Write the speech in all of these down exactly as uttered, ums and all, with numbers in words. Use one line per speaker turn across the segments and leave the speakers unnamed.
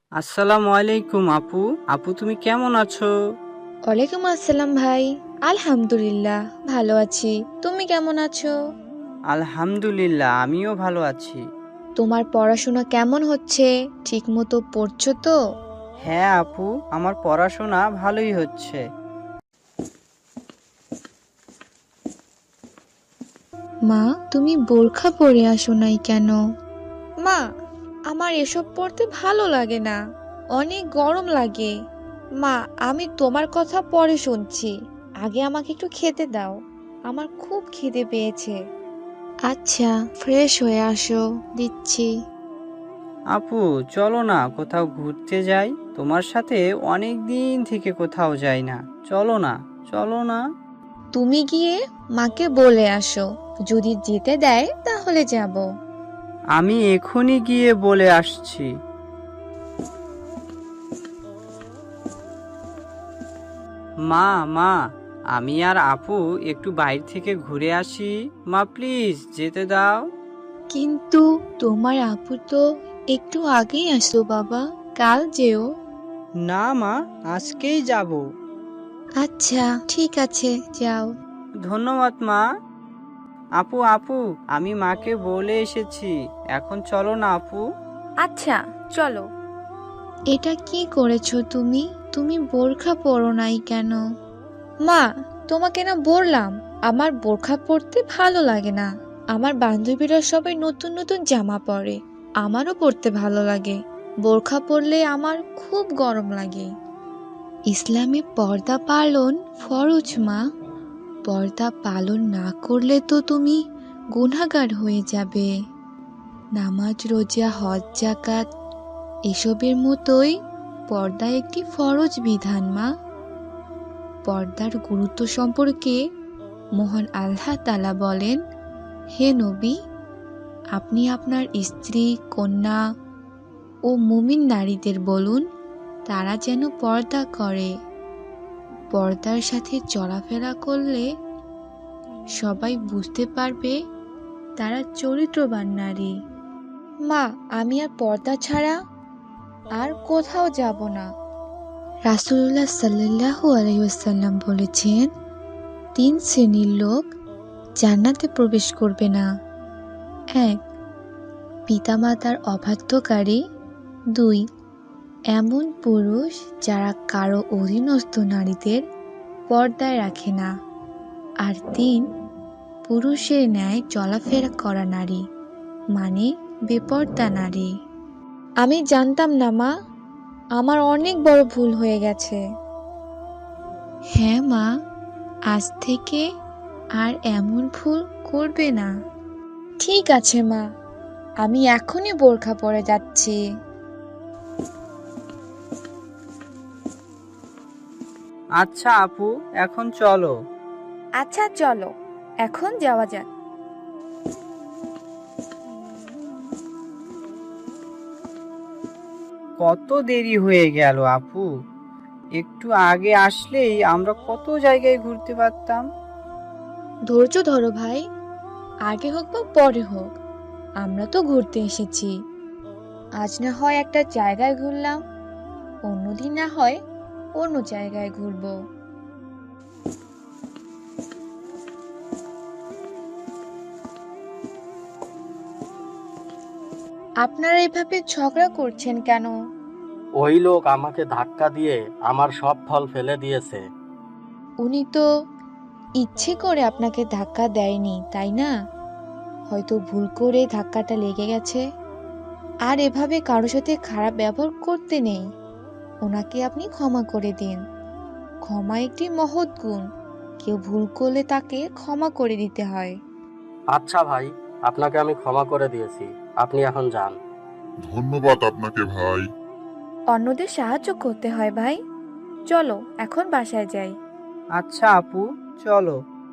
আসসালামু আলাইকুম আপু। আপু তুমি কেমন আছো?
ওয়ালাইকুম আসসালাম ভাই। আলহামদুলিল্লাহ ভালো আছি। তুমি কেমন আছো?
আলহামদুলিল্লাহ, আমিও ভালো আছি।
তোমার পড়াশোনা কেমন হচ্ছে? ঠিকমতো পড়ছো তো?
হ্যাঁ আপু, আমার পড়াশোনা ভালোই হচ্ছে।
মা, তুমি বোরখা পরে আসো নাই কেন? মা, আমার এসব পড়তে ভালো লাগে না, অনেক গরম লাগে। মা, আমি তোমার কথা পরে শুনছি, আগে আমাকে একটু খেতে দাও, আমার খুব খিদে পেয়েছে। আচ্ছা, ফ্রেশ হয়ে আসো, দিচ্ছি।
আপু চলো না কোথাও ঘুরতে যাই, তোমার সাথে অনেক দিন থেকে কোথাও যাই না। চলো না, চলো না।
তুমি গিয়ে মাকে বলে আসো, যদি যেতে দেয় তাহলে যাব।
আমি এখনই গিয়ে বলে আসছি। মা মা, আমি আর আপু একটু বাইরে থেকে ঘুরে আসি। মা প্লিজ যেতে দাও।
কিন্তু তোমার আপু তো একটু আগেই আসলো বাবা, কাল যেও।
না মা, আজকেই যাব।
আচ্ছা ঠিক আছে, যাও।
ধন্যবাদ মা। আপু আপু, আমি মাকে বলে এসেছি, এখন চলো না আপু।
আচ্ছা, চলো।
এটা কি করেছো তুমি? তুমি বোরখা পরো নাই কেন? মা, তোমাকে না বললাম আমার বোরখা পরতে ভালো লাগে না। আমার বান্ধবীরা সবাই নতুন নতুন জামা পরে, আমারও পরতে ভালো লাগে। বোরখা পরলে আমার খুব গরম লাগে। ইসলামে পর্দা পালন ফরজ মা। পর্দা পালন না করলে তো তুমি গুনাহগার হয়ে যাবে। নামাজ, রোজা, হজ, যাকাত এসবের মতোই পর্দা একটি ফরজ বিধান মা। পর্দার গুরুত্ব সম্পর্কে মহান আল্লাহ তাআলা বলেন, হে নবী, আপনি আপনার স্ত্রী, কন্যা ও মুমিন নারীদের বলুন তারা যেন পর্দা করে। পর্দার সাথে চলাফেরা করলে সবাই বুঝতে পারবে তারা চরিত্রবান নারী। মা, আমি আর পর্দা ছাড়া আর কোথাও যাব না। রাসূলুল্লাহ সাল্লাল্লাহু আলাইহি ওয়াসাল্লাম বলেছেন, তিন শ্রেণীর লোক জান্নাতে প্রবেশ করবে না। এক, পিতামাতার অবাধ্যকারী। দুই, এমন পুরুষ যারা কারো অধীনস্থ নারীদের পর্দায় রাখে না। আর তিন, পুরুষের ন্যায় চলাফেরা করা নারী, মানে বেপর্দা নারী। আমি জানতাম না মা, আমার অনেক বড় ভুল হয়ে গেছে। হ্যাঁ মা, আজ থেকে আর এমন ভুল করবে না। ঠিক আছে মা, আমি এখনই বোরখা পরে যাচ্ছি।
আচ্ছা আপু, এখন চলো।
আচ্ছা, চলো, এখন যাওয়া যাক।
কত দেরি হয়ে গেল আপু, একটু আগে আসলেই আমরা কত জায়গায় ঘুরতে পারতাম।
ধৈর্য ধরো ভাই, আগে হোক বা পরে হোক, আমরা তো ঘুরতে এসেছি। আজ না হয় একটা জায়গায় ঘুরলাম, অন্যদিন না হয় অন্য জায়গায় ঘুরবো। আপনারা এভাবে ঝগড়া করছেন কেন?
ওই লোক আমাকে ধাক্কা দিয়ে আমার সব ফল ফেলে দিয়েছে।
উনি তো ইচ্ছে করে আপনাকে ধাক্কা দেয়নি, তাই না? হয়তো ভুল করে ধাক্কাটা লেগে গেছে। আর এভাবে কারোর সাথে খারাপ ব্যবহার করতে নেই। ওনাকে আপনি ক্ষমা করে দিন। ক্ষমা একটি মহৎ গুণ। কেউ ভুল করলে তাকে ক্ষমা করে দিতে হয়।
আচ্ছা ভাই, আপনাকে আমি ক্ষমা করে দিয়েছি, আপনি এখন যান।
ধন্যবাদ আপনাকে ভাই।
অন্যদের সাহায্য করতে হয় ভাই। চলো এখন বাসায় যাই।
আচ্ছা আপু, চলো।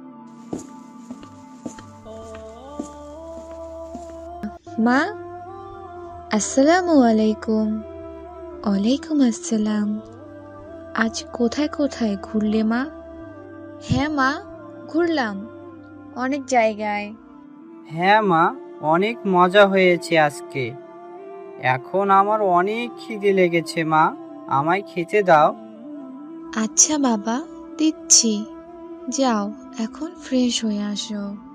মা, আসসালামু আলাইকুম। ওয়ালাইকুম আসসালাম। আজ কোথায় কোথায় ঘুরলে মা? হ্যাঁ মা, ঘুরলাম অনেক জায়গায়।
হ্যাঁ মা, অনেক মজা হয়েছে আজকে। এখন আমার অনেক খিদে লেগেছে মা, আমায় খেতে দাও।
আচ্ছা বাবা, দিচ্ছি। যাও এখন ফ্রেশ হয়ে আসো।